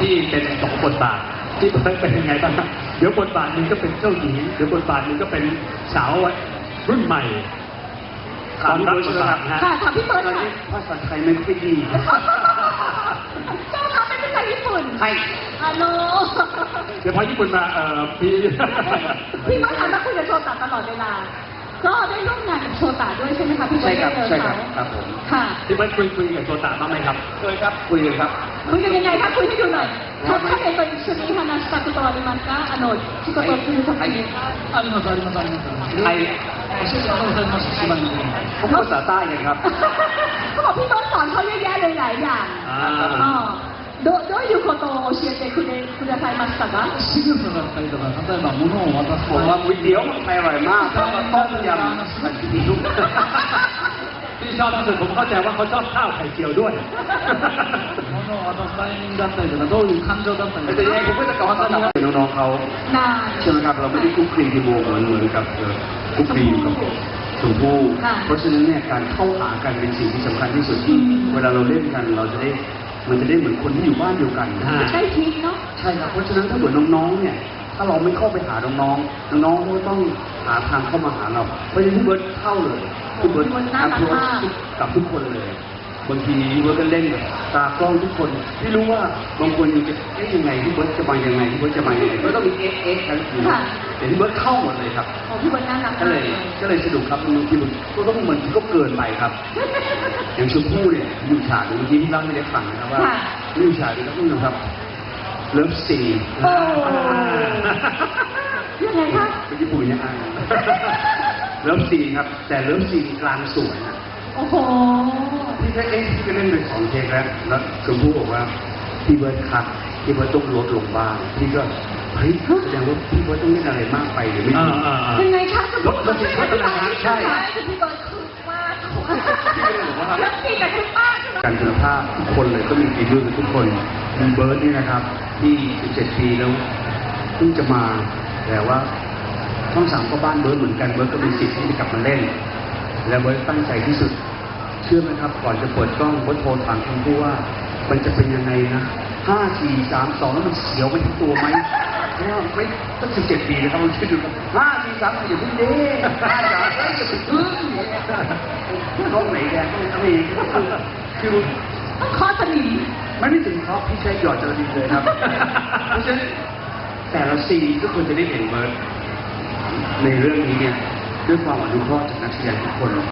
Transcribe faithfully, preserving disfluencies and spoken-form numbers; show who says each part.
Speaker 1: ที่เป็นสองบทบาทที่เป็นยังไงบ้างครับเดี๋ยวบทบาทหนึ่งก็เป็นเจ้าหญิงเดี๋ยวบทบาทหนึ่งก็เป็นสาวรุ่นใหม่ถามพี่เบิร์ดครับ
Speaker 2: ค่ะถามพี่เบิร์ดค่ะ
Speaker 3: ภาษาไทยไม่ค่อยดี
Speaker 2: เจ้าค่ะเป็นภาษาญี่ปุ่น
Speaker 3: ใช่
Speaker 2: ฮัลโหล
Speaker 1: เดี๋ยวพอญี่ปุ่นมาเอ่อพี่
Speaker 2: พี่เบิร์ดหันมาคุยกับโชตะตลอดเวลาก็ได้ร่วมงานกับโชตะด้วยใช่ไหมคะพี่เบิร์ด
Speaker 3: ใช่ครับใช่ครับครับผม
Speaker 2: ค่ะ
Speaker 1: พี่เบิร์ดคุยคุยกับโชตะบ้างไหมครับ
Speaker 3: เคยครับคุยกันครับ
Speaker 2: คุยกันยังไงคะคุยให้ดูหน่อยถ้าถ้าเป็นตัว一緒に話したことはありますかあの仕事をするときに
Speaker 4: ありますありますあります
Speaker 3: ไทย
Speaker 4: 教えてくださいました島に
Speaker 3: เขาพูดภาษาใต้กันครับ
Speaker 2: เขาบอกพี่เบิร์ดสอนเขาเยอะแยะเลยหลายอย่างอ๋อどどういうことを教えてくれくださいましたか
Speaker 4: 仕草だったりとか例えば物を渡す
Speaker 3: ผมว่าก๋วยเตี๋ยวมันไปอร่อยมากแล้วก็ต้มยำผัดซีอิ๊ว
Speaker 1: ที่ชอบที่สุดผมเข้าใจว่าเขาชอบข้าวไข่เจียวด้วย
Speaker 4: 物を渡すタイミングだったりとかどういう感情だったりと
Speaker 3: แต่ยังไงผม
Speaker 4: か
Speaker 3: ก็จะกลับมาสนับสนุนน้องๆเขาใช่ไหมครับเราไม่ได้คุกคลีที่โมเหมือนเหมือนกับคุกคลีอยู่กับชมพู่เพราะฉะนั้นเนี่ยการเข้าหากันเป็นสิ่งที่สำคัญที่สุดที่เวลาเราเล่นกันเราจะได้มันจะได้เหมือนคนที่อยู่บ้านเดียวกัน
Speaker 2: ใช่ทิพเนาะ
Speaker 3: ใช่ครับเพราะฉะนั้นถ้าเหมือนน้องๆเนี่ยถ้าเราไม่เข้าไปหาน้องๆน้องๆก็ต้องหาทางเข้ามาหาเราเพราะฉะนั้นพี่เบิร์ดเข้าเลยพี่เบิร์ดอัพโหลดกับทุกคนเลยบางทีพี่เบิร์ดก็เล่นกับตากล้องทุกคนพี่รู้ว่าบางคนจะเอ๊ะยังไงพี่เบิร์ดจะมายังไงพี่เบิร์ดจะมายังไงก็ต้องมีเอ๊ะเอ๊ะทั้งคืนแต่พี่เบิร์ดเข้าหมดเลยครับ
Speaker 2: โอ้พี่เบิร์ดน่ารัก
Speaker 3: ก็เลยก็เลยสนุกครับบางทีมันก็ต้องเหมือนก็เกินไปครับอย่างชมพู่เนี่ยอยู่ฉากเมื่อกี้ที่เล่าให้ได้ฟังนะครับว่าอยู่ฉากนี้ครับนี่นะครับเลิฟซีน
Speaker 2: โอ้ยังไงคะ
Speaker 3: เป็นญี่ปุ่นยังไงเลิฟซีนครับแต่เลิฟซีนกลางสวนนะ
Speaker 2: โอ้โห
Speaker 3: พี่ก็เอ๊ะพี่ก็เล่นไปสองเทคแล้วแล้วชมพู่บอกว่าพี่เบิร์ดครับพี่เบิร์ดต้องลดลงบ้างพี่ก็เฮ้ยแสดงว่าพี่เบิร์ดต้องเล่นอะไรมากไปหรือไม่ดี
Speaker 2: ยังไงคะ
Speaker 3: ลดลดลดอะไรนะใช่
Speaker 2: พี่เบิร์ดคือมากแล้วพี่แต่คุณป้าใช่ไหม
Speaker 3: การคุณภาพทุกคนเลยก็มีฝีมือทุกคนมีเบิร์ดนี่นะครับที่สิบเจ็ดปีแล้วเพิ่งจะมาแต่ว่าช่องสามก็บ้านเบิร์ดเหมือนกันเบิร์ดก็มีสิทธิ์ที่จะกลับมาเล่นและเบิร์ดตั้งใจที่สุดเชื่อไหมครับก่อนจะเปิดกล้องเบิร์ดโทรถามคุณผู้ว่ามันจะเป็นยังไงนะห้าสี่สามสองแล้วมันเสียวไปทั้งตัวไหมเพราะว่าไม่ตั้งสิบเจ็ดปีนะครับมันคิดดูครับห้าสี่สามอย่าเพิ่งเด้ห้าสามอย่าเพิ่งพึ่งกล้องไหนแดงกล้องอะไรคือ
Speaker 2: ต้องคอสนิม
Speaker 3: ไม่ได้ถึงครับพี่ใช้หยอดจระดีเลยครับเพราะฉะนั้นแต่ละซีนก็ควรจะได้เห็นเบิร์ดในเรื่องนี้เนี่ยด้วยความอนุเคราะห์จากนักแสดงทุกคน